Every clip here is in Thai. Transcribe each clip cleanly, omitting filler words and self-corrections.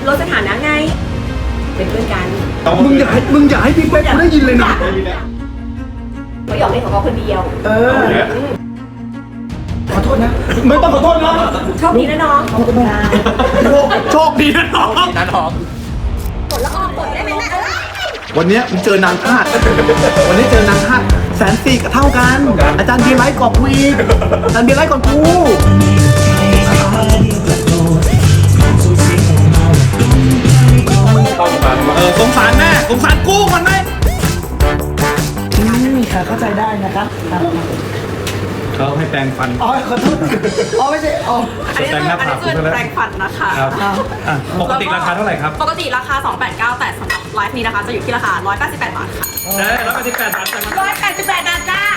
ลดสถานะไงเป็นเพื่อนกันมึงอย่าให้พี่เป๊กกูได้ยินเลยนะเขาหยอกเล่นของเขาคนเดียวขอโทษนะไม่ต้องขอโทษนะโชคดีนะน้องโชคดีนะน้องกดละออกกดได้ไหมแม่วันนี้มึงเจอนางธาตุวันนี้เจอนางธาตุ140,000ก็เท่ากันอาจารย์เบียร์ไลท์กอบกูอีกอาจารย์เบียร์ไลท์ก่อนกูสงสารแม่สงสารกูมันไหมค่ะเข้าใจได้นะครับเขาให้แปรงฟันอ๋อขอโทษอ๋อไม่ใช่อ๋ออันนี้คือแปรงฟันนะคะปกติราคาเท่าไหร่ครับปกติราคา289แต่สำหรับไลฟ์นี้นะคะจะอยู่ที่ราคา188 บาทค่ะ 188 บาท 188 บาทจ้า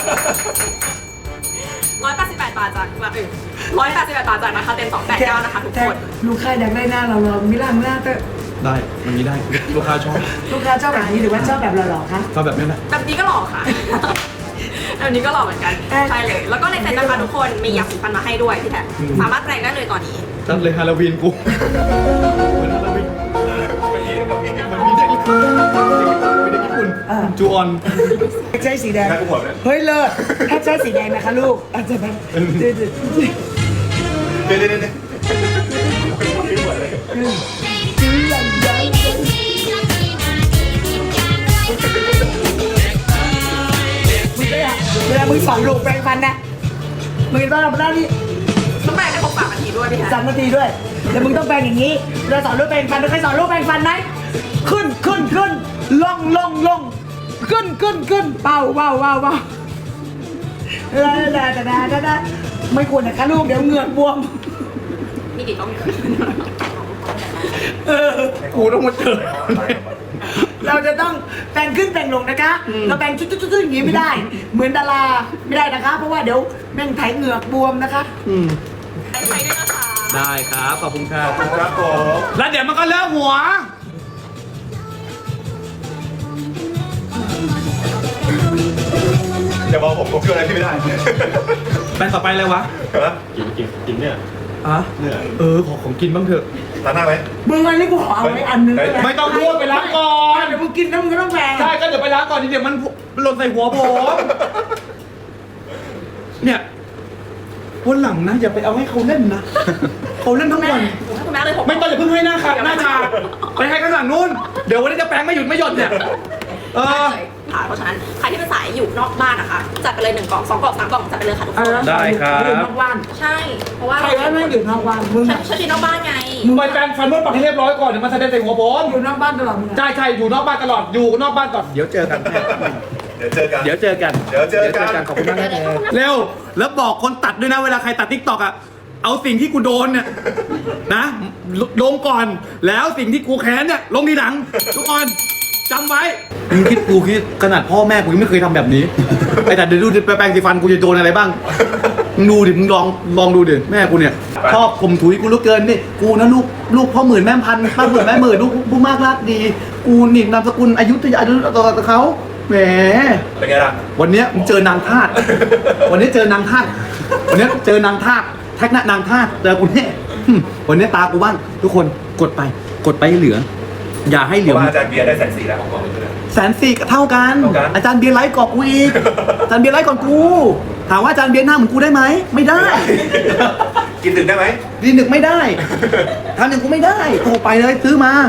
188 บาทจากแบบอื่น188 บาทจากนะคะเต็ม289นะคะทุกคนลูกค้าอยากได้หน้าเราไม่ล่างหน้าก็ได้มันมีได้ลูกค้าชอบแบบนี้หรือว่าชอบแบบหล่อๆคะชอบแบบนี้แหละแบบนี้ก็หล่อค่ะแบบนี้ก็หล่อเหมือนกันใช่เลยแล้วก็ในเซ็ตนะคะทุกคนมียาสีฟันมาให้ด้วยพี่แท็บสามารถแปรงได้เลยตอนนี้จัดเลยฮาโลวีนกูเหมือนฮาโลวีนมันมีเด็กญี่ปุ่นจูออนใช้สีแดงเฮ้ยเลิศถ้าใช้สีแดงนะคะลูกอาจจะแบบเดี๋ยวเวลามึงสอนลูกแปรงฟันนะมึงต้องทำหน้าที่ต้องแปรงให้ครบ3 นาทีด้วยพี่แท็บ 3 นาทีด้วยแล้วมึงต้องแปรงอย่างนี้เราสอนลูกแปรงฟันเราเคยสอนลูกแปรงฟันไหมขึ้นลงขึ้นเป่าได้ไม่ควรนะคะลูกเดี๋ยวเหงือกบวมนี่กี่ต้องกูต้องมาเจอเราจะต้องแต่งขึ้นแต่งลงนะคะเราแต่งชุดอย่างนี้ไม่ได้เหมือนดาราไม่ได้นะคะเพราะว่าเดี๋ยวแม่งไถเหงือกบวมนะคะใช้ด้วยนะคะได้ครับขอบคุณครับผมแล้วเดี๋ยวมันก็เลิกหัวอย่าบอกผมช่วยอะไรพี่ไม่ได้แปนต่อไปเลยวะกินเนี่ยเนี่ยของกินบ้างเถอะล้างหน้าไหมมึงอันนี้กูขอเอาไว้อันนึงไม่ต้องพูดไปล้างก่อนเดี๋ยวมึงกินแล้วมึงก็ต้องแปรงใช่ก็เดี๋ยวไปล้างก่อนเดี๋ยวมันหล่นใส่หัวผมเนี่ยวันหลังนะอย่าไปเอาให้เขาเล่นนะเขาเล่นทั้งวันไม่ต้องอย่าเพิ่งให้หน้าขาหน้าชาไปให้ข้างหลังนู้นเดี๋ยววันนี้จะแปรงไม่หยุดเนี่ยเพราะฉะนั้นใครที่เป็นสายอยู่นอกบ้านนะคะจัดไปเลย1 กล่อง2 กล่อง3 กล่องจัดไปเลยค่ะทุกคนได้ครับอยู่นอกบ้านใช่เพราะว่าใครว่าไม่อยู่นอกบ้านมึงฉันอยู่นอกบ้านไงมึงไปแปรงฟันนวดปากให้เรียบร้อยก่อนเดี๋ยวมันจะได้ใส่หัวผมอยู่นอกบ้านตลอดใช่อยู่นอกบ้านตลอดอยู่นอกบ้านก่อนเดี๋ยวเจอกันเดี๋ยวเจอกันขอบคุณมากเร็วแล้วบอกคนตัดด้วยนะเวลาใครตัด TikTok อ่ะเอาสิ่งที่กูโดนเนี่ยนะลงก่อนแล้วสิ่งที่กูแค้นเนี่ยลงทีหลังทุกคนจำไว้มึงคิดขนาดพ่อแม่กูยังไม่เคยทำแบบนี้ไอ้แต่เดี๋ยวดูไปแปรงสีฟันกูจะโดนอะไรบ้างมึงดูดิมึงลองดูดิแม่กูเนี่ยชอบข่มถุยกูเหลือเกินนี่กูนะลูกพ่อหมื่นแม่พันป้าหมื่นแม่หมื่นลูกผู้มากรักดีกูนี่นามสกุลอยุธยาต่อเขาแหมเป็นไงล่ะวันนี้มึงเจอนางธาตุวันนี้เจอนางธาตุวันนี้เจอนางธาตุแท็กนะนางธาตุเจอกูเนี่ยวันนี้ตากูบ้างทุกคนกดไปให้เหลืออย่าให้เหลืออาจารย์เบียร์ได้140,000แล้วของผม 140,000ก็เท่ากันอาจารย์เบียร์ไลท์กอบกูอีกอาจารย์เบียร์ไลท์ก่อนกูถามว่าอาจารย์เบียร์หน้าเหมือนกูได้ไหมไม่ได้กินดึกได้ไหมกินดึกไม่ได้ทำอย่างกูไม่ได้โทรไปเลยซื้อมา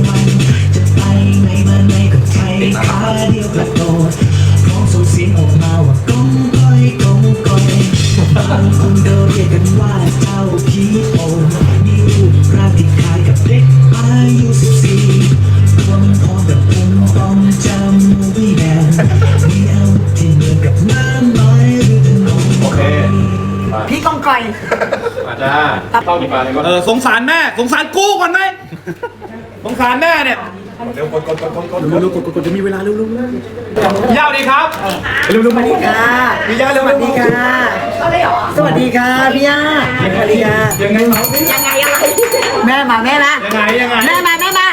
คนเดิมเรียกกันว่าเจ้าผีโป่งมีรูปร่างที่คล้ายกับเด็กอายุ14รวมพร้อมกับผมอมจำมูวี่แมนมีเอาที่เหมือนกับน้ำไม้หรือถนนโอเคพี่กองไก่อาจารย์เข้ากี่ปลาเลยก็สงสารแม่สงสารกูก่อนไหมสงสารแม่เนี่ยเร็วกดจะมีเวลาเร็วยาวดีครับเร็วสวัสดีค่ะพี่ย่าเร็วสวัสดีค่ะสวัสดีค่ะพี่ย่าสวัสดีค่ะยังไงอะไรแม่มายังไงแม่มาอะไรล่ะ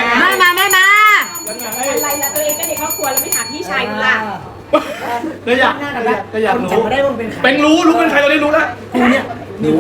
ตัวเองก็เด็กครอบครัวแล้วไม่ถามพี่ชายล่ะก็อยากรู้เป็นรู้เป็นใครตอนนี้รู้แล้วกูเนี่ยมีคนเนี่ยกู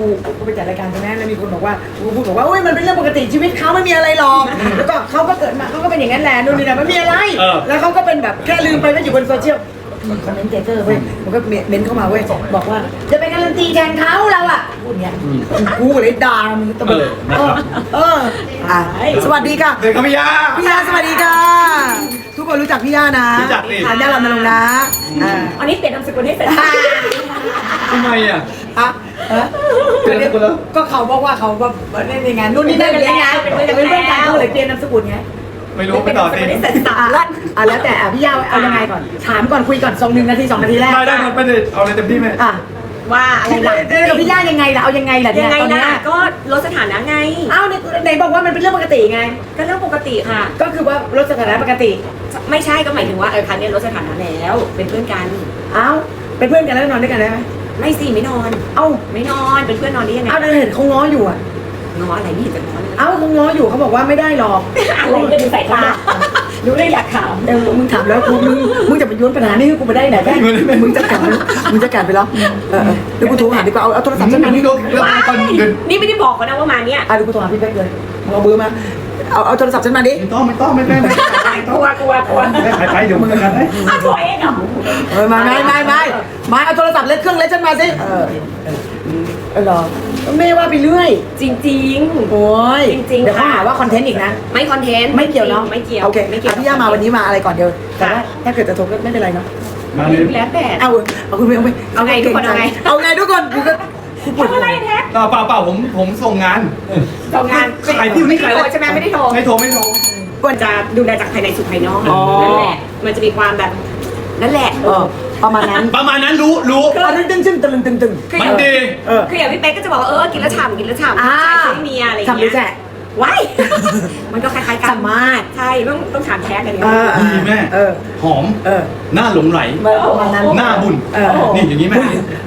กูไปจัดรายการใช่ไหมแล้วมีคนบอกว่ากูพูดบอกว่าโอ้ยมันเป็นเรื่องปกติชีวิตเขาไม่มีอะไรหรอกแล้วก็เขาก็เกิดมาเขาก็เป็นอย่างนั้นแหละนู่นนี่นะไม่มีอะไร แล้วเขาก็เป็นแบบแค่ลืมไปว่าอยู่บนโซเชียลคอมเมนต์เจอเว้ยมันก็เมนเข้ามาเว้ยบอกว่าจะไปการันตีแทนเขาเราอ่ะพูดเงี้ยกูเลยด่ามึงตะบึงสวัสดีค่ะเด็กครับพี่ยาพี่ยาสวัสดีค่ะ ทุกคนรู้จักพี่ยานะรู้จักดิอันยาลำนรงค์นะอ่าอันนี้เปลี่ยนนามสกุลให้เสร็จทำไมอ่ะอ่ะเปลี่ยนนามสกุลแล้วก็เขาบอกว่าเขาแบบเล่นในงานนู่นนี่นั่นเป็นไงเป็นเพื่อนกันเขาเลยเปลี่ยนนามสกุลไงไม่รู้ไปต่อสิเสร็จสับแล้วแต่พี่ยาเอายังไงก่อนถามก่อนคุยก่อน1 นาที 2 นาทีแรกได้ไปเลยเอาเลยเต็มที่ไหมอ่ะว่าอะไรล่ะกับพี่ย่ายังไงล่ะเอายังไงล่ะเนี่ยยังไงตอนล่ะเนี้ยก็ลดสถานะไงเอ้าไหนบอกว่ามันเป็นเรื่องปกติไงก็เรื่องปกติค่ะก็คือว่าลดสถานะปกติไม่ใช่ก็หมายถึงว่าครั้งนี้ลดสถานะแล้วเป็นเพื่อนกันเอ้าเป็นเพื่อนกันแล้วนอนด้วยกันได้ไหมไม่สิไม่นอนเอ้าไม่นอนเป็นเพื่อนนอนได้ยังไงเอ้าเห็นเขาง้ออยู่อ่ะง้ออะไรไม่เห็นจะง้อเลยเอ้าเขาง้ออยู่เขาบอกว่าไม่ได้หรอกอะไรก็ดูสายตาดูได้อยากถามมึงถามแล้วมึงจะไปย้อนปัญหานี่ให้กูไปได้ไหนแม่มึงจะกัดไปแล้วเดี๋ยวกูโทรหาดีกว่าเอาโทรศัพท์ฉันมาดินี่ก็เรื่องตอนเดินนี่ไม่ได้บอกเขานะว่ามาเนี่ยเดี๋ยวกูโทรหาพี่เป๊กเลยเอาเบอร์มาเอาโทรศัพท์ฉันมาดิไม่ต้องกลัวไปเดี๋ยวมึงกันนะตัวเองเหรอไม่เอาโทรศัพท์เล็กเครื่องเล็กฉันมาสิเหรอไม่ว่าไปเรื่อยจริงโอ้ยจริงๆเดี๋ยวเขาค่ะหาว่าคอนเทนต์อีกนะๆ ไม่คอนเทนต์ไม่เกี่ยวเนาะไม่เกี่ยวโอเคไม่เกี่ยวพี่ย่ามาวันนี้มาอะไรก่อนเดียวแต่ว่าถ้าเกิดจะโทรก็ไม่เป็นไรเนาะมาเลยแล้วแต่เอาคุณไปเอาไงทุกคนเอาไงเอาไงทุกคนกูก็ปวดทำอะไรแท็กเปล่าผมส่งงานทำงานขายที่นี่ขายโทรใช่ไหมไม่ได้โทรไม่โทรควรจะดูแลจากภายในสู่ภายนอกอ๋อนั่นแหละมันจะมีความแบบนั่นแหละประมาณนั้นประมาณนั้นรู้ตึงตึงคือมัอน ย่างดีคืออย่างพี่เป๊กก็จะบอกว่ากินแล้วฉ่ำกินแล้วฉ่ำอ่าใช้เมียอะไรอย่างทำหรืเงี้อแจ๊ยว้าย มันก็คล้ายๆกันสามารถใช่ต้องถามแท็กกันดีแม่หอมหน้าหลงไหลประมาณนั้นหน้าบุญนี่อย่างนี้แม่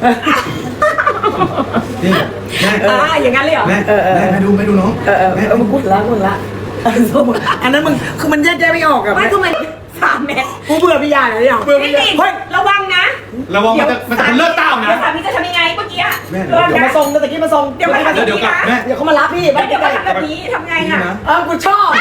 นี่แม่อย่างนั้นเลยเหรอแม่แม่ดูน้องมึงพูดละอันนั้นมึงคือมันแยกไม่ออกอะไม่คือมัน3 เม็ดกูเบื่อพี่ยาเลยอย่างพี่ติ่งระวังนะระวังมันจะเลิกเต้านะเดี๋ยวสามีจะทำยังไงเมื่อกี้อะเดี๋ยวมาส่งตะกี้มาส่งเดี๋ยวมาทำแบบนี้นะเดี๋ยวเขามารับพี่เดี๋ยวมาทำแบบนี้ทำไงอะกูชอบ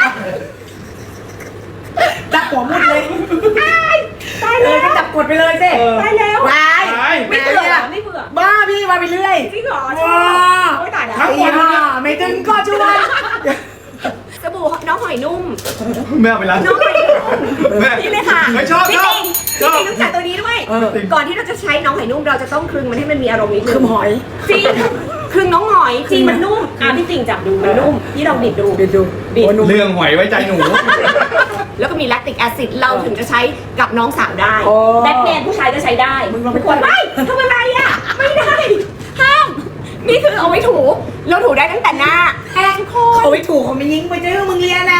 จับหัวมุดเลยตายแล้วก็จับกดไปเลยสิตายแล้ววายไม่เบื่อไม่เบื่อบ้าพี่มาไปเรื่อยจริงเหรอว้าโอ้ยตายแล้วทั้งวันไม่ตึงก็ช่วยสบู่น้องหอยนุ่มแม่เอาไปแล้วน้องหอยนุ่มแม่นี่เลยค่ะไม่ชอบพี่ชอบติ่งพี่ติ่งรู้จักตัวนี้ด้วย ก่อนที่เราจะใช้น้องหอยนุ่มเราจะต้องคลึงมันให้มันมีอารมณ์นิดนึงคือหอยจริงคลึงน้องหอยจริงมันนุ่มพี่ติ่งจับดูมันนุ่มพี่ลองบิดดูบิดดูเรื่องหอยไว้ใจหนูแล้วก็มีแลคติกแอซิดเราถึงจะใช้กับน้องสาวได้โอ้แบทแมนผู้ชายก็ใช้ได้มึงลองไปทุกคนไม่ทำอะไรอ่ะ ไม่ได้ ห้าม นี่คือเอาไว้ถู เราถูได้ตั้งแต่หน้าแอนโคนเขาไม่ถูกเขาไม่ยิงไปเจอมึงเรียนนะ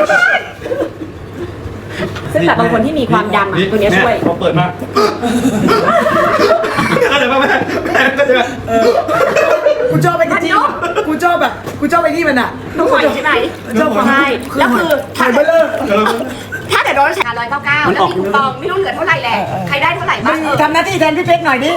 ซึ่งแบบบางคนที่มีความดำอ่ะตัวเนี้ยช่วยพอเปิดมาเข้าใจป่ะแม่เข้าใจป่ะกูชอบไปจริงกูชอบแบบกูชอบไปที่มันอ่ะน้องหอยใช่ไหมชอบใช่แล้วคือถ่ายเบลเลอร์ถ้าเกิดเราใช้199แล้วมีคูปองไม่รู้เหลือเท่าไหร่แหละ ใครได้เท่าไหร่มึบ้างงทำหน้าที่แทนพี่เป๊กหน่อยดิ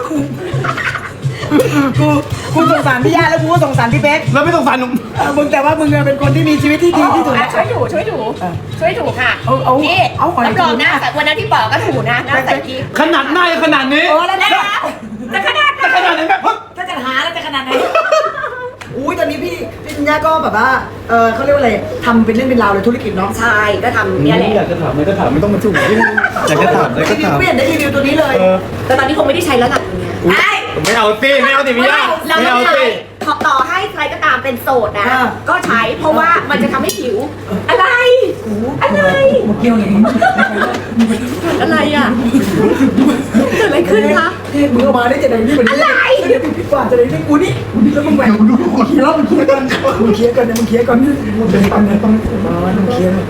กูสงสารพี่ย่าแล้วกูก็สงสารพี่เป๊กแล้วไม่ต้องฟันหนุ่มมึงแต่ว่ามึงเป็นคนที่มีชีวิตที่ดีที่สุดช่วยถูค่ะเอานี่เอาหอยรับรองหน้าวันนั้นที่บอกก็ถูนะหน้าใส่กิ๊กขนาดหน้ายังขนาดนี้แล้วแล้วจะขนาดขนาดไหนแม่เพิ่งถ้าจะหาแล้วจะขนาดไหนอุ้ยตอนนี้พี่ธัญญาก็แบบว่าเขาเรียกว่าอะไรทำเป็นเรื่องเป็นราวเลยธุรกิจเนาะใช่ก็ทำเนี่ยแหละอยากจะถามอะไรก็ถามไม่ต้องมาจุ่มอยากจะถามอะไรก็ถามไม่เห็นได้รีวิวตัวนี้เลยแต่ตอนนี้คงไม่ได้ใช้แล้วล่ะเนี่ยไม่เอาสิไม่เอาสิพี่ย่าเราไม่ต้อเอางใช้สิต่อให้ใครก็ตามเป็นโสดนะ ก็ใช้เพราะว่ามันจะทำให้ผิว อะไร อะไรเกี่ยวไงอะไรอ่ะเกิดอะไรขึ้นคะมึงเอามาได้จะไหนนี่เหมือนอะไรพี่กว่าจะไหนนี่กูนี่แล้วมึงแหวกดูคนเคี้ยวมึงเคลียร์กันมึงเคลียร์กันมึงเคลียร์กันมึงเคลียร์กันมึงเคลียร์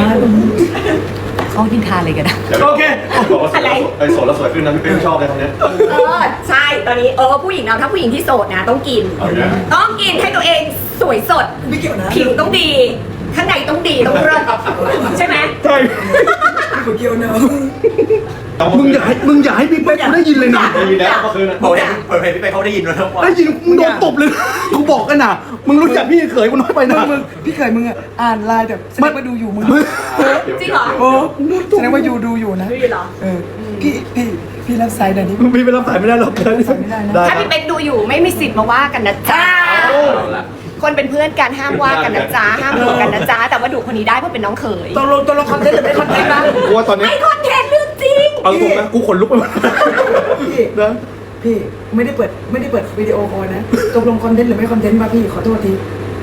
เขากินทานอะไรกันนะโอเคอะไรไอ้โสดแล้วสวยขึ้นนะพี่เป้ชอบเลยตรงนี้ใช่ตอนนี้ผู้หญิงเราถ้าผู้หญิงที่โสดนะต้องกินเอาอย่างนี้ต้องกินให้ตัวเองสวยสดไม่เกี่ยวนะผิวต้องดี ข้างในต้องดีต้องเลิศใช่ไหมใช่กูเกี่ยวนะมึงอย่าให้พี่เป๊กกูได้ยินเลยนะไม่มีแล้วเมื่อคืนน่ะเปิดเพลงพี่ไปเขาได้ยินแล้วว่าได้ยินมึงโดนตบเลยนะกูบอกกันนะมึงรู้จักพี่เขยกูน้อยไปนะมึงพี่เคยมึงอ่ะอ่านไลน์แต่แสดงว่าดูอยู่มึงจริงเหรอโอ้แสดงว่าอยู่ดูอยู่นะดูอยู่เหรอเออพี่รับสายหน่อยนี้พี่ไปรับสายไม่ได้หรอกไม่ได้นะได้ถ้าพี่เป็กดูอยู่ไม่มีสิทธิ์มาว่ากันนะจ๊ะคนเป็นเพื่อนกันห้ามว่ากันนะจ๊ะห้ามดูกันนะจ๊ะแต่ว่าดูคนนี้ได้เพราะเป็นน้องเขยตัวลงคอนเทนต์หรือไม่คอนเทนต์บ้างกูว่าตอนนี้ไม่คอนเทนต์เรื่องจริงเอาตรงนะกูขนลุกไปหมดพี่นะพี่ไม่ได้เปิดวิดีโอคอลนะตกลงคอนเทนต์หรือไม่คอนเทนต์ป่ะพี่ขอโทษที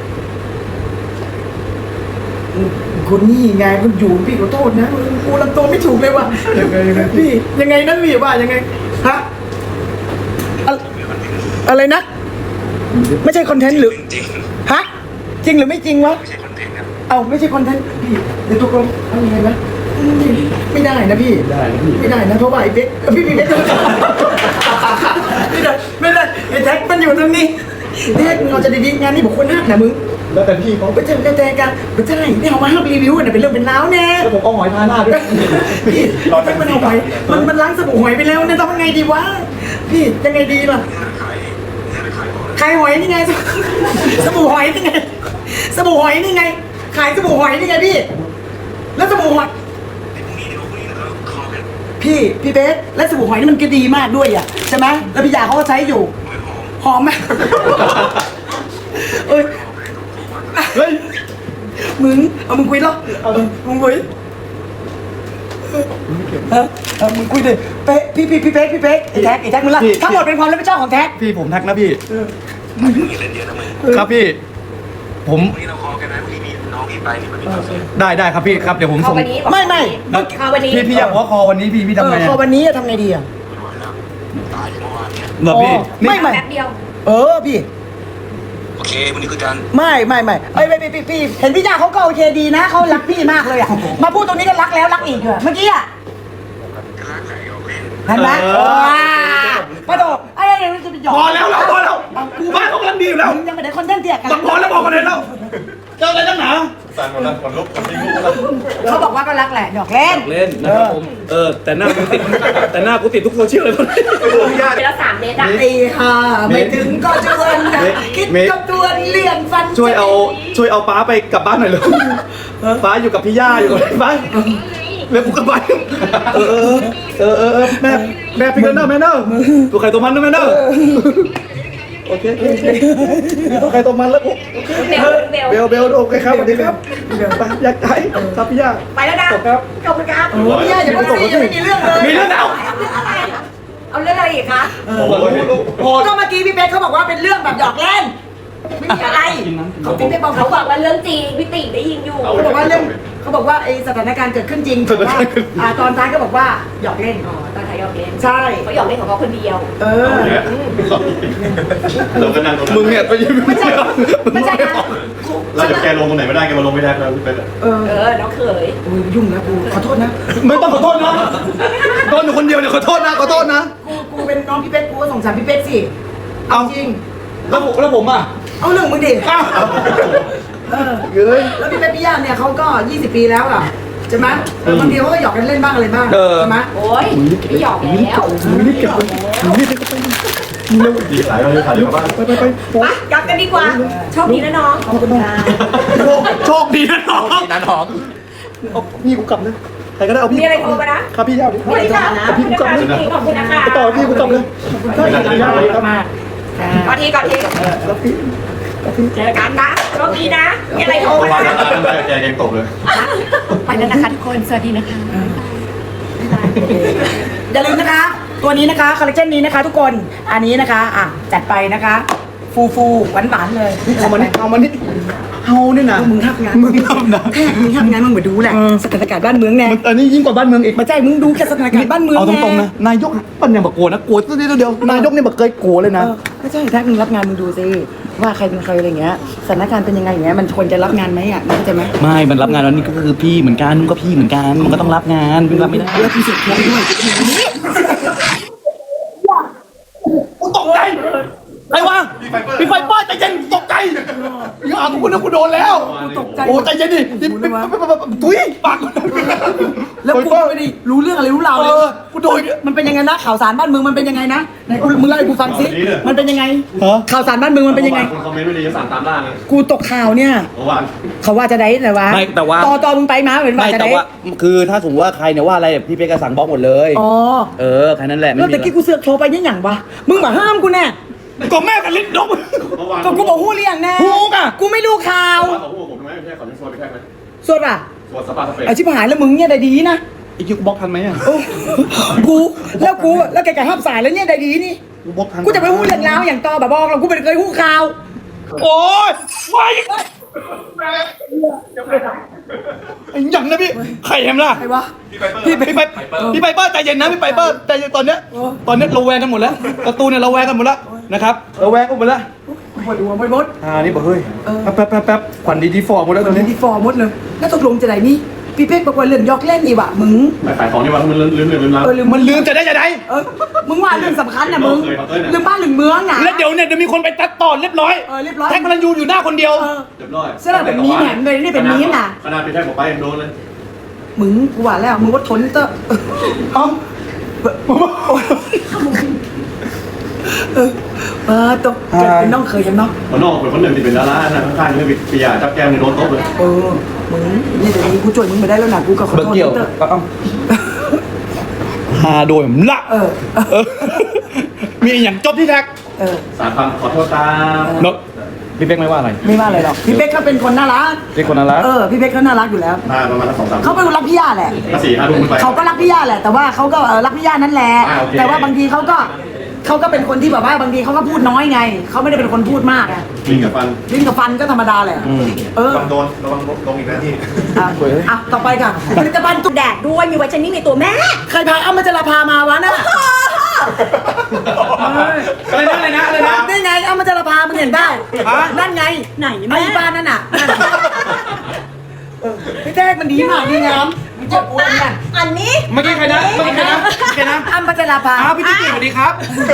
คนนี่ไงคุณอยู่พี่ขอโทษนะกูลำตัวไม่ถูกเลยว่ะพี่ยังไงนั่นพี่ว่ายังไงฮะอะไรนะ ไม่ใช่คอนเทนต์หรือฮะจริงหรือไม่จริงวะเอาไม่ใช่คอนเทนต์พี่เดี๋ยวตกลงเอายังไงนะไม่ได้นะพี่ไม่ได้นะเพราะว่าไอ้เบ๊กพี่เบ๊กไม่ได้ไอ้แท็กมันอยู่ตรงนี้แท็กเราจะดีๆงานนี้บอกคนหักนะมึงแล้วแต่พี่เขาไปเจอกันไม่ใช่นี่เอามาห้ามรีวิวเนี่ยเป็นเรื่องเป็นราวแน่แล้วผมเอาหอยทาหน้าด้วยพี่แท็กมันเอาหอยมันล้างสบู่หอยไปแล้วเนี่ยทำยังไงดีวะพี่ยังไงดีล่ะขายหอยนี่ไงสบู่หอยนี่ไงสบู่หอยนี่ไงขายสบู่หอยนี่ไงพี่แล้วสบู่หอยพี่เบสและสบู่หอยนี่มันก็ดีมากด้วยอ่ะใช่ไหมแล้วพี่ยาเขาก็ใช้อยู่หอมไหมเอ้ยเฮ้ยมึงมึงคุยแล้วมึงคุยมึงคุยดิเป๊ะพี่เป๊กไอ้แท็กมึงละทั้งหมดเป็นความรับผิดชอบของแท็กพี่ผมทักนะพี่ครับพี่ผมได้ครับพี่ครับเดี๋ยวผมเอาส่งวันนี้ไม่เอาวันนี้พี่อยากหัวคอวันนี้พี่ทำไงพอวันนี้ทำไงดีอ่ะเหรอพี่ไม่แป๊บเดียวพี่โอเควันนี้คือการไม่เอ้ยพี่เห็นพี่ยาเขาก็โอเคดีนะเขารักพี่มากเลยอ่ะมาพูดตรงนี้ก็รักแล้วรักอีกเมื่อกี้อ่ะเห็นไหมป้าโตไอ้เดี๋ยวจะไปหยอกพอแล้วกูบ้านเขากำลังดีอยู่แล้วมึงยังไม่ได้คอนเทนต์เตี้ยกันบังพอแล้วบอกกันเลยแล้วเจออะไรตั้งหนาสั่นหมดแล้วขนลุกขนลุกแล้วเขาบอกว่าก็รักแหละหยอกเล่นเล่นนะครับผมแต่หน้ากูติดทุกโซเชียลเลยเป็นละ3 เมตรอะไอ้ห่าไม่ถึงก็ชวนนะคิดกับตัวเลี่ยงฟันช่วยเอาป้าไปกลับบ้านหน่อยเลยป้าอยู่กับพี่ย่าอยู่กับป้าแล้วกูกลับบ้านแม่พี่กันเนอร์แม่เนอร์ตัวใครตัวมันนะแม่เนอร์โอเคตัวใครตัวมันแล้วกู เบลโอเคครับสวัสดีครับไปอยากได้ครับพี่ย่าไปแล้วนะครับขอบคุณครับพี่ย่าอย่าพูดสิยังไม่มีเรื่องเลยมีเรื่องแล้วเอาเรื่องอะไรอีกคะพอก็เมื่อกี้พี่เป๊กเขาบอกว่าเป็นเรื่องแบบหยอกเล่นไม่มีอะไรเขาพี่เป๊กบอกเขาเขาบอกว่าเรื่องจริงพี่ติได้ยินอยู่เขาบอกว่าเรื่องเขาบอกว่าไอ้สถานการณ์เกิดขึ้นจริงแต่ว่าตอนท้ายก็บอกว่าหยอกเล่นอ๋อตอนถ่ายหยอกเล่นใช่เขาหยอกเล่นของเขาคนเดียวเราก็นั่งตรงนั้นมึงเนี่ยไปยืนไม่ใช่นะเราจะแกลงตรงไหนไม่ได้แกมาลงไม่ได้แล้วพี่เป็นน้องเขยโอ้ยยุ่งนะกูขอโทษนะไม่ต้องขอโทษนะโดนอยู่คนเดียวเนี่ยขอโทษนะกูเป็นน้องพี่เป๊กกูก็สงสารพี่เป๊กสิเอาจริงแล้วผมอ่ะเอาเรื่องมึงดิอ้าวเฮ้ยแล้วพี่เป๊กพี่ย่าเนี่ยเขาก็20 ปีแล้วอ่ะใช่ไหมบางทีเขาก็หยอกกันเล่นบ้างอะไรบ้างใช่ไหมโอ้ยไม่หยอกแล้วดีสายเราเลยถ่ายอยู่บ้านไปไปกลับกันดีกว่าโชคดีนะน้องขอบคุณค่ะโชคดีนะน้องนันหอมเอาพี่กูกลับนะใครก็ได้เอาพี่มีอะไรโทรมานะครับพี่ย่าดิสวัสดีค่ะเอาพี่กูกลับเลยขอบคุณนะคะไปต่อพี่กูกลับเลยย่าเลยครับก่อนทีเจอกันนะโชคดีนะมีอะไรโทรประมามาณนั้นแกยังตกเลยไปแล้วนะคะทุกคนสวัสดีนะคะอย่าลืมนะคะ ตัวนี้นะคะคอลเลคชันนี้นะคะทุกคนอันนี้นะคะจัดไปนะคะฟูหวานๆเลยเอามานี่เอาเนี่ยนะมึงทำงานมึงทำนะแค่มึงทำงานมึงมาดูแหละสถานการณ์บ้านเมืองแน่อันนี้ยิ่งกว่าบ้านเมืองอีกมาใจมึงดูแค่สถานการณ์บ้านเมืองเอาตรงๆนะนายกปัญญาบักโกนะโกรธเดียวนายกเนี่ยบักเคยโกรธเลยนะไม่ใช่ถ้ามึงรับงานมึงดูสิว่าใครเป็นใครอะไรเงี้ยสถานการณ์เป็นยังไงอย่างเงี้ยมันควรจะรับงานไหมมึงเข้าใจไหมไม่มันรับงานแล้วนี่ก็คือพี่เหมือนกันมึงก็พี่เหมือนกันมันก็ต้องรับงานมึงรับไม่ได้แล้วพี่เสร็จแค่ด้วยกูตกใจไอ้วะพี่ไฟเปอร์ใจเย็นตกใจอย่ากูนึกกูโดนแล้วตกใจโอ้ใจเย็นดิถุยปากแล้วกูไม่ได้รู้เรื่องอะไรรู้ราวเลยกูโดนมันเป็นยังไงนะข่าวสารบ้านเมืองมันเป็นยังไงนะไหนมึงเล่าให้กูฟังสิมันเป็นยังไงข่าวสารบ้านเมืองมันเป็นยังไงคนคอมเมนต์ไม่ดีจะสั่งตามล่านะกูตกข่าวเนี่ยเมื่อวานเขาว่าจะได้แต่ว่าไม่แต่ว่าต่อมึงไปมาเป็นว่าไม่จะแต่ได้ว่าคือถ้าสมมติว่าใครเนี่ยว่าอะไรพี่เป๊กก็สั่งบล็อกหมดเลยอ๋อแค่นั้นแหละไม่แล้วมีตะกี้กูเสือกโทรไปยังหยังวะมึงมาห้ามกูแน่ก็แม่กันลิ้นนกเมื่อวานก็กูบอกหู้เรียงแน่หูกอะกูไม่รู้ข่าวเขาพูดผมทำไมไม่ใช่ขอจะชวนไปแค่ไหมสดอ่ะชวนสปาสเปรย์ไอชิบหายแล้วมึงเนี่ยได้ดีนะอีกคิวบล็อกทันไหมอ่ะโอ้กูแล้วแกก็ห้ามสายแล้วเนี่ยได้ดีนี่กูบล็อกทันกูจะไปหู้เรื่องราวอย่างต่อแบบบอกเรากูไม่เคยหู้ข่าวโอ้ยว้ายไอ้หยังนะพี่ใครเห็นล่ะใครวะพี่ไปพี่ไปเปอร์ใจเย็นนะพี่ไปเปอร์ใจเย็นตอนเนี้ยเราแวงกันหมดแล้วการ์ตูนเนี่ยเราแวงกันหมดแล้วนะครับเราแวงกันหมดแล้วปวดหัวไปหมดนี่บอกเฮ้ยแป๊บขวัญดีฟอร์หมดแล้วตอนเล่นี้นดีฟอร์หมดเลยแล้วตกลงจะไหนนี่พี่เป๊กบอกว่าเล่นยอกเล่นอีวะมึงไปขายของนี่วันมันลืมแล้วลืมมันลืมจะได้มึงว่าเรื่องสำคัญนะมึงเคยลืมบ้านลืมเมืองนะแล้วเดี๋ยวเนี่ยมีคนไปตัดต่อเรียบร้อยเรียบร้อยแท็กพลันยูอยู่หน้าคนเดียวเรียบร้อยเสื้อแบบนี้แหมเลยนี่เป็นนี้น่ะขนาดเป็นแค่ผมไปยังโดนเลยมึงกูว่าแล้วมึงว่าทนเตอะเอ้าต้องเกิดเป็นน้องเคยกันเนาะคนนอกคนหนึ่งที่เป็นดารานะข้างๆนี่ปียาจับแก้มในโดนโต๊ะเลยมึงนี่เดี๋ยวนี้กูช่วยมึงไม่ได้แล้วนะกูก็ขอเบิร์โทษเกี่ยวเตอะฮาโดยมละมีอย่างจบที่แท็กสารคำขอโทษตามเนอะพี่เป๊กไม่ว่าอะไรไม่ว่าอะไรหรอกพี่เป๊กเขาเป็นคนน่ารักเป็นคนน่ารักพี่เป๊กเขาน่ารักอยู่แล้วมาประมาณ2-3 เขาเป็นคนรักพี่ย่าแหละ 4-5 ทุ่มไปเขาก็รักพี่ย่าแหละ แต่ว่าเขาก็รักพี่ย่านั่นแหละโอเคแต่ว่าบางทีเขาก็เป็นคนที่แบบว่าบางทีเขาก็พูดน้อยไงเขาไม่ได้เป็นคนพูดมากอะกินกับฟันลิ้นกับฟันก็ธรรมดาแหละเออโดนระวังลงอีกนะที่อ่ะต่อไปค่ะผลิตภัณฑ์ตุกแดดด้วยมีไวท์เทนนิ่งในตัวแม่ใครพาอ้ำมัจจราภามาวะน่ะอะไรนะนี่ไงอ้ำมัจจราภามึงเห็นเปล่านั่นไงไหนไอ้แม่บ้านนั่นน่ะพี่แจ๊กมันดีมากดีงามมันจะอ้วนน่ะอันนี้เมื่อกี้ใครนะอ้ำมัจจราภาพี่ติ๊กสวัสดีครับ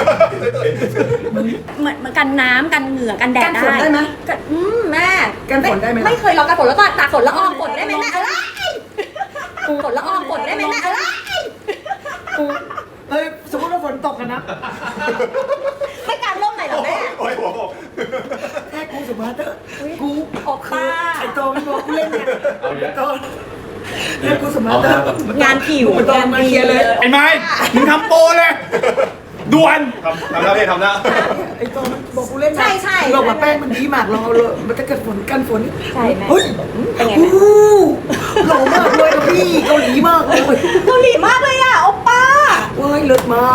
เหมือนกันน้ำกันเหงื่อกันแดดกันฝนได้ไหมกันแม่กันฝนได้ไหมไม่เคยลองกันฝนแล้วก็ตากฝนละอองฝนได้ไหมแม่อะไรฝนละอองฝนได้ไหมแม่อะไรเฮ้ยสมมติว่าฝนตกกันนะไม่การร่มไหนหรอแม่โอ้ยหัวแค่กูสมาเตอร์กูโอป้าไอ้โตมันบอกกูเล่นเนี่ยไอ้โตแค่กูสมาเตอร์งานผิวงานดีเลยไอ้ไม้มึงทำโปรเลยด่วนทำหน้าพี่ทำหน้าไอ้โตมันบอกกูเล่นนะใช่บอกว่าแป้งมันดีมากลองเอาเลยมันจะเกิดฝนกันฝนใช่แม่เฮ้ยเป็นไงโอ้แม่โหหล่อมากเลยครับพี่เกาหลีมากเลยเกาหลีมากเลยอ่ะโอป้าว้ายเลิศมาก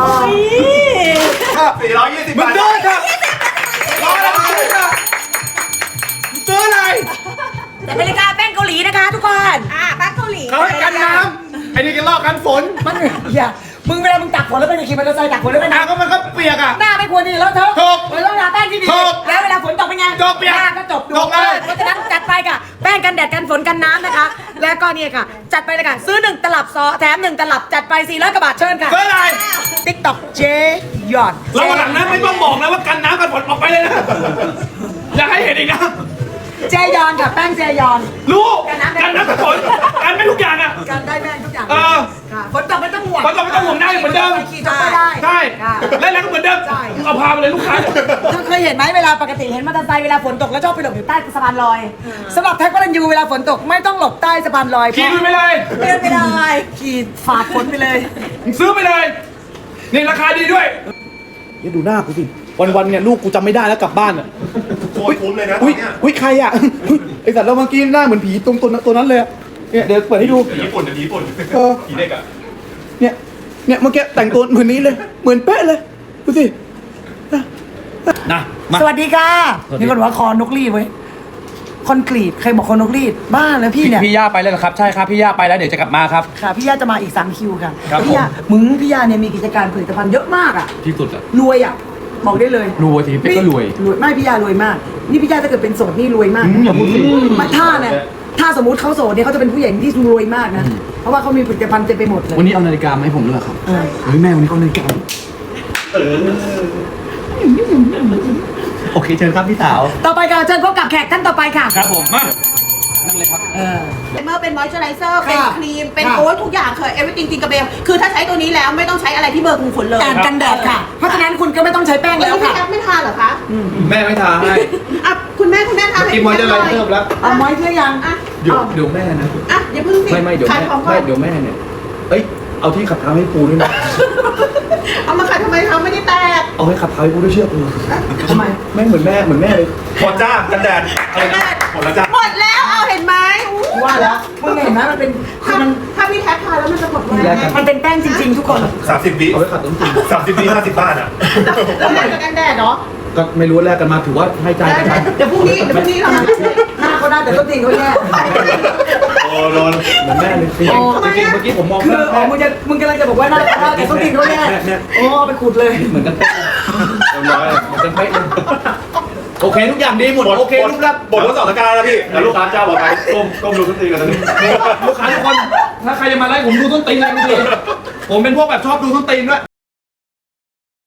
420 มึงบาทเดินค่ะรออะไรมึงซื้อค่ะมึงซื้ออะไรแต่เป็นรายการแป้งเกาหลีนะคะทุกคนแป้งเกาหลีเขาให้กันน้ำไอ้นี่กันลอกกันฝนมันอย่ามึงเวลามึงตักฝนแล้วเป็นขี่มอเตอร์ไซค์ตักฝนแล้วเป็นก็มันก็เปียกอ่ะหน้าไม่ควรดีแล้วเธอถูกมันต้องทาแป้งที่ดีถูกแล้วเวลาฝนตกเป็นไงจบเปียกหน้าก็จบจบเลยเพราะฉะนั้นจัดไปค่ะแป้งกันแดดกันฝนกันน้ำนะคะ แล้วก็เนี่ยค่ะ จัดไปเลยค่ะซื้อ1ตลับซอแถม1ตลับจัดไป400กว่าบาทเชิญค่ะซื้ออะไร TikTok เจยอนเราหลังนั้นไม่ต้องบอกนะว่ากันน้ำกันฝนออกไปเลยนะอยากให้เห็นอีกนะเจยอนค่ะแป้งเจยอนรู้กันน้ำกันฝนกันไม่ทุกอย่างอ่ะการได้แป้งทุกอย่างค่ะฝนตกไม่ต้องห่วงฝนตกไม่ต้องห่วงได้เหมือนเดิมขี่จบไม่ได้ใช่ค่ะเล่นแล้วก็เหมือนเดิมใช่มึงเอาพาไปเลยลูกค้าเธอเคยเห็นไหมเวลาปกติเห็นมอเตอร์ไซค์เวลาฝนตกแล้วชอบไปหลบอยู่ใต้สะพานลอยสำหรับแท็กพลันยูเวลาฝนตกไม่ต้องหลบใต้สะพานลอยขี่ไปเลยเดินไปเลยขี่ฝาดฝนไปเลยมึงซื้อไปเลยนี่ราคาดีด้วยเดี๋ยวดูหน้ากูสิวันๆเนี่ยลูกกูจำไม่ได้แล้วกลับบ้านอ่ะโคตรคุ้มเลยนะตออุ้นยเนี้ยอุ้ยใครอ่ะไอสัตว์เราเมื่อกี้หน้าเหมือนผีตัวนั้นเลยอะเนี่ยเดี๋ยวเปิดให้ดูผีญี่ปุ่นผีญี่ปุ่นเออผีเด็กอ่ะเนี่ยเมื่อกี้แต่งตัวเหมือนนี้เลย เหมือนเป๊ะเลยดูสินะมาสวัสดีค่ะสวัสดีมีคนบอกว่าคอนกรีดไว้ยคอนกรีตใครบอกคอนกรีตบ้าแล้วพี่เนี่ยพี่ย่าไปแล้วเหรอครับใช่ครับพี่ย่าไปแล้วเดี๋ยวจะกลับมาครับค่ะพี่ย่าจะมาอีก3คิวค่ะครับพี่ย่าพี่ย่าเนี่ยมีกิจการผลิตภัณฑ์เยอะมากอ่ะที่สุดอ่ะรวยอ่ะบอกได้เลยรวยสิเป๊กก็รวยไม่พี่ย่ารวยมาก นี่พี่ย่าถ้าเกิดเป็นโสดนี่รวยมากอย่าพูดสิมาถ้าสมมติเขาโสดเนี่ยเขาจะเป็นผู้หญิงที่รวยมากนะเพราะว่าเขามีผลิตภัณฑ์เต็มไปหมดเลยวันนี้เอานาฬิกามาให้ผมด้วยครับเออเฮ้ยแม่วันนี้ก็เอานาฬิกาโอเคเชิญครับพี่สาวต่อไปค่ะเชิญพบกับแขกท่านต่อไปค่ะครับผมมานั่งเลยครับเมื่อเป็นมอยเจอไรเซอร์เป็นค่ะครีมเป็นค่ะโค้ชทุกอย่างเคยเอเวอร์ติงจริงกระเบลคือถ้าใช้ตัวนี้แล้วไม่ต้องใช้อะไรที่เบอร์คุมขนเลยกันแดดค่ะ เพราะฉะนั้นคุณก็ไม่ต้องใช้แป้งแล้แล้ว วพี่ค่ะแอปไม่ทานเหรอคะแม่ไม่ทาให้อ่ะคุณแม่ทานกินมอยเจอร์ไรเซอร์แล้วเอาไม้เชื่อยังอ่ะเดี๋ยวแม่นะอ่ะอย่าเพิ่งสิไม่เดี๋ยวขายแม่ของก่อไม่นเดี๋ยวแม่เนี่ยเอ้ยเอาที่ขับเท้าให้ปูด้วยนะเอามาขายทำไมเขาไม่ได้แตกเอาให้ขับเท้าให้ปูด้วยเชื่อปูทำไมแม่งเหมือนแม่เลยหมดจ้ากันแดดอะไรนะหมดแล้วจ้าหมดแล้วเอาเห็นไหมอู้ว่าแล้วมึงเห็นไหมมันเป็นถ้าพี่แท็กทานแล้วมันจะหมดไวมันเป็นแป้งจริงๆทุกคน 30 วิเอาไว้ขัดต้นตีน 30 วิ50 บาทอ่ะแล้วแลกกับกันแดดเนาะก็ไม่รู้ว่าแลกกันมาถือว่าให้ใจกันไปเดี๋ยวพรุ่งนี้เรามาหน้าเขาได้แต่ต้นตีนเขาแย่โอ้โดนเหมือนแม่เลยจริงโอ้ๆจริงๆเมื่อกี้ผมมองคือแม่มึงกำลังจะบอกว่าหน้าเขาได้แต่ต้นตีนเขาแย่โอ้เอาไปขูดเลยเหมือนกันเป๊ะเรียบร้อยเหมือนกันเป๊ะเลยโอเคทุกอย่างดีหมดโอเคลูกรับบทว่า2 ตะการแล้วพี่แล้วลูกค้าเจ้าบอกไปก้มดูทุกทีกันตอนนี้ลูกค้าทุกคนถ้าใครจะมาไล่ผมดูต้นตีนอะไรไม่ดีผมเป็นพวกแบบชอบดูต้นตีนด้วย